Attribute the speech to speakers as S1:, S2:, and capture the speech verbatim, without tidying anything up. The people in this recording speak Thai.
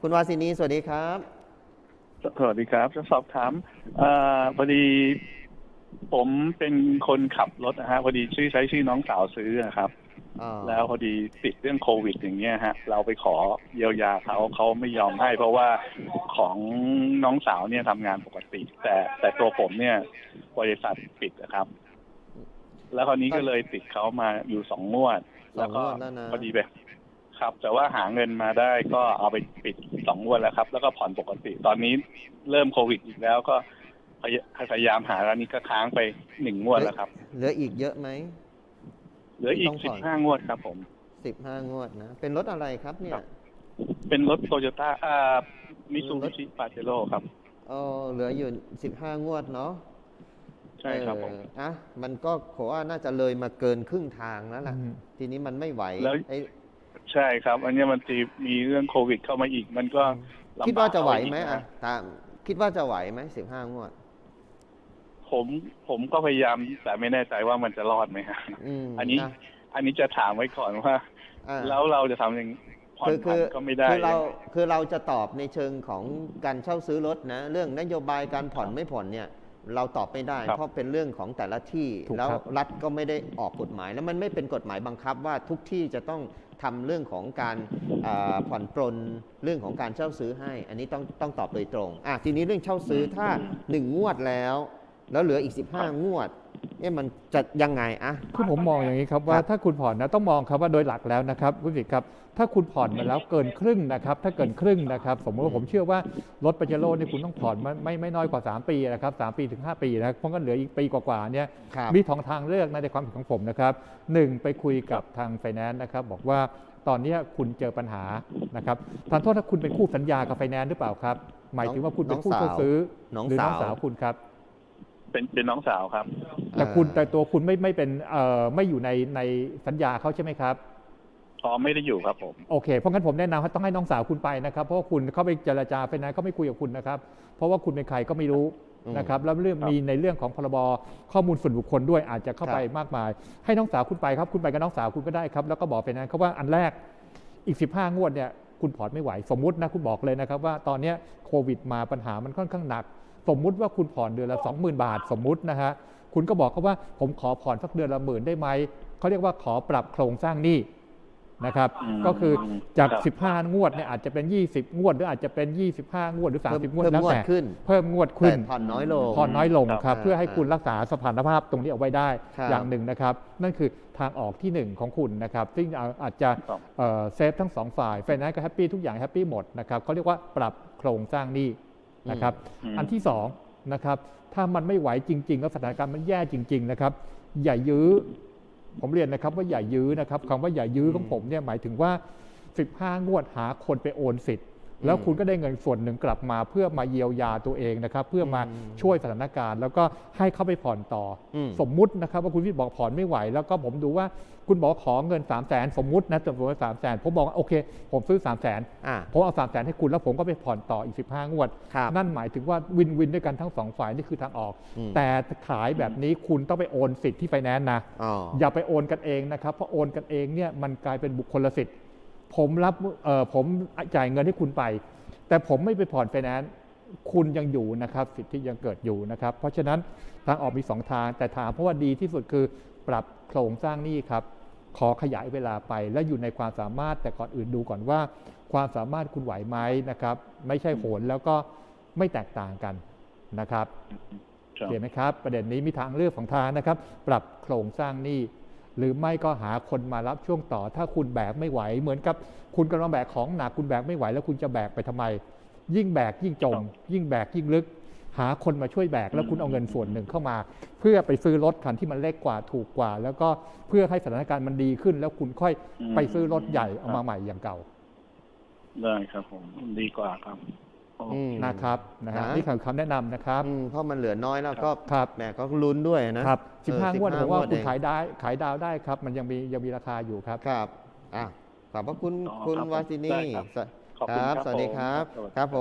S1: คุณวาสินีสวัสดีครับ
S2: สวัสดีครับจะสอบถามอพอดีผมเป็นคนขับรถนะฮะพอดีชื่อใช้ชื่อน้องสาวซื้อนะครับแล้วพอดีติดเรื่องโควิดอย่างเงี้ยฮะเราไปขอเยียวยาเขาเขาไม่ยอมให้เพราะว่าของน้องสาวเนี่ยทำงานปกติแต่แต่ตัวผมเนี่ยบริษัทปิดนะครับแล้วคราวนี้ก็เลยติดเขามาอยู่สองงวดแล้วก็พอดีไปครับแต่ว่าหาเงินมาได้ก็เอาไปปิดสองงวดแล้วครับแล้วก็ผ่อนปกติตอนนี้เริ่มโควิดอีกแล้วก็พยายามหาแล้วนี้ก็ค้างไปหนึ่งงวดแล้วครับ
S1: เหลืออีกเยอะไหม
S2: เหลืออีกสิบห้างวดครับผม
S1: สิบห้างวดนะเป็นรถอะไรครับเนี่ย
S2: เป็นรถโตโยต้าอ่ามิซูบิชิปาเจโร่ครับ
S1: อ๋อเหลืออยู่สิบห้างวดเนาะ
S2: ใช่ครับผม
S1: อ่ะมันก็ขอว่าน่าจะเลยมาเกินครึ่งทางแล้วล่ะทีนี้มันไม่ไหว
S2: แล้วใช่ครับอันนี้มันจะมีเรื่องโควิดเข้ามาอีกมันก็
S1: คิดว่าจะไหวไหมอ่ะตามคิดว่าจะไหวไหมสิบห้างวด
S2: ผมผมก็พยายามแต่ไม่แน่ใจว่ามันจะรอดไหมฮะอันนี้อันนี้จะถามไว้ก่อนว่าแล้วเราจะทำยังผ่อนผันก็ไม่ได้
S1: คือเราคือเราจะตอบในเชิงของการเช่าซื้อรถนะเรื่องนโยบายการผ่อนไม่ผ่อนเนี่ยเราตอบไม่ได้เพราะเป็นเรื่องของแต่ละที่แล้วรัฐก็ไม่ได้ออกกฎหมายแล้วมันไม่เป็นกฎหมายบังคับว่าทุกที่จะต้องทำเรื่องของการผ่อนปรนเรื่องของการเช่าซื้อให้อันนี้ต้องต้องตอบโดยตรงอ่ะทีนี้เรื่องเช่าซื้อถ้าหนึ่งงวดแล้วแล้วเหลืออีกสิบห้างวดเอ๊ะมันจะยังไงอะ
S3: คือผมมองอย่างนี้ครับว่าถ้าคุณผ่อนนะต้องมองครับว่าโดยหลักแล้วนะครับคุณสิทธิ์ครับถ้าคุณผ่อนมาแล้วเกินครึ่งนะครับถ้าเกินครึ่งนะครับสมมติว่าผมเชื่อว่ารถปาเจโร่นี่คุณต้องผ่อนไม่ไม่น้อยกว่าสามปีนะครับสามปีถึงห้าปีนะเพราะงั้นเหลืออีกปีกว่าๆเนี่ยมีทางทางเลือกในความเห็นของผมนะครับหนึ่งไปคุยกับทางไฟแนนซ์นะครับบอกว่าตอนนี้คุณเจอปัญหานะครับทานโทษถ้าคุณเป็นคู่สัญญากับไฟแนนซ์หรือเปล่าครับหมายถึงว่าคุณเป็นคู่ซื้อหรือน้องสาวคุณครับ
S2: เป็นเป็นน้องสาวครับ
S3: แต่คุณแต่ตัวคุณไม่ไม่เป็นเอ่อไม่อยู่ในในสัญญาเขาใช่ไหมครับ
S2: อ๋อไม่ได้อยู่ครับผม
S3: โอเคเพราะงั้นผมแนะนำว่าต้องให้น้องสาวคุณไปนะครับเพราะว่าคุณเข้าไปเจรจาไปนะเขาไม่คุยกับคุณนะครับเพราะว่าคุณเป็นใครก็ไม่รู้นะครับแล้วเรื่องมีในเรื่องของพรบข้อมูลส่วนบุคคลด้วยอาจจะเข้าไปมากมายให้น้องสาวคุณไปครับคุณไปกับน้องสาวคุณก็ได้ครับแล้วก็บอกไปนั้นเขาว่าอันแรกอีกสิบห้างวดเนี่ยคุณผ่อนไม่ไหวสมมุตินะคุณบอกเลยนะครับว่าตอนนี้โควิดมาปัญหามันค่อนข้างหนักสมมุติว่าคุณผ่อนเดือนละ สองหมื่น บาทสมมุตินะฮะคุณก็บอกเขาว่าผมขอผ่อนสักเดือนละหมื่นได้ไหมเขาเรียกว่าขอปรับโครงสร้างหนี้นะครับก็คือจากสิบห้างวดเนี่ยอาจจะเป็นยี่สิบงวดหรืออาจจะเป็นยี่สิบห้างวดหรือสามสิบงวดแล้วแต่เพิ่มงวดขึ้น
S1: ผ่อนน้อยลง
S3: ผ่อนน้อยลงครับเพื่อให้คุณรักษาสถานภาพตรงนี้เอาไว้ได้อย่างหนึ่งนะครับนั่นคือทางออกที่หนึ่งของคุณนะครับซึ่งอาจจะเซฟทั้งสองฝ่ายไฟแนนซ์ก็แฮปปี้ทุกอย่างแฮปปี้หมดนะครับเขาเรียกว่าปรับโครงสร้างหนี้นะครับอันที่สองนะครับถ้ามันไม่ไหวจริงๆแล้วสถานการณ์มันแย่จริงๆนะครับอย่ายื้อผมเรียนนะครับว่าอย่ายื้อนะครับคำว่าอย่ายื้อของผมเนี่ยหมายถึงว่าสิบห้างวดหาคนไปโอนสิทธิ์แล้วคุณก็ได้เงินส่วนหนึ่งกลับมาเพื่อมาเยียวยาตัวเองนะครับเพื่อมาช่วยสถานการณ์แล้วก็ให้เข้าไปผ่อนต่อสมมุตินะครับว่าคุณวิทย์บอกผ่อนไม่ไหวแล้วก็ผมดูว่าคุณบอกขอเงินสามแสนสมมุตินะจำนวนสามแสนผมบอกโอเคผมซื้อสามแสนผมเอาสามแสนให้คุณแล้วผมก็ไปผ่อนต่ออีกสิบห้างวดนั่นหมายถึงว่าวินวินด้วยกันทั้งสองฝ่ายนี่คือทางออกแต่ขายแบบนี้คุณต้องไปโอนสิทธิ์ที่ไฟแนนซ์นะอย่าไปโอนกันเองนะครับเพราะโอนกันเองเนี่ยมันกลายเป็นบุคคลสิทธิ์ผมรับเอ่อผมจ่ายเงินให้คุณไปแต่ผมไม่ไปผ่อนไฟแนนซ์คุณยังอยู่นะครับสิทธิยังเกิดอยู่นะครับเพราะฉะนั้นทางออกมีสองทางแต่ถามเพราะว่าดีที่สุดคือปรับโครงสร้างหนี้ครับขอขยายเวลาไปและอยู่ในความสามารถแต่ก่อนอื่นดูก่อนว่าความสามารถคุณไหวไหมนะครับไม่ใช่โหนแล้วก็ไม่แตกต่างกันนะครับเห็นไหมครับประเด็นนี้มีทางเลือกของทางนะครับปรับโครงสร้างหนี้หรือไม่ก็หาคนมารับช่วงต่อถ้าคุณแบกไม่ไหวเหมือนกับคุณกำลังแบกของหนักคุณแบกไม่ไหวแล้วคุณจะแบกไปทำไมยิ่งแบกยิ่งจมยิ่งแบกยิ่งลึกหาคนมาช่วยแบกแล้วคุณเอาเงินส่วนหนึ่งเข้ามาเพื่อไปซื้อรถคันที่มันเล็กกว่าถูกกว่าแล้วก็เพื่อให้สถานการณ์มันดีขึ้นแล้วคุณค่อยไปซื้อรถใหญ่เอามาใหม่อย่างเก่า
S2: ได้ครับผมดีกว่าครับ
S3: นะครับนะฮะนี่คือคำแนะนำนะครับ
S1: เพราะมันเหลือน้อยแล้วก็แหมก็ลุ้นด้วยนะครับ
S3: สิบห้างวดผมว่าคุณขายได้ขายดาวได้ครับมันยังมียังมีราคาอยู่ครับ
S1: ครับอ่ะขอบพระคุณคุณวาสินีครับสวัสดีครับครับผม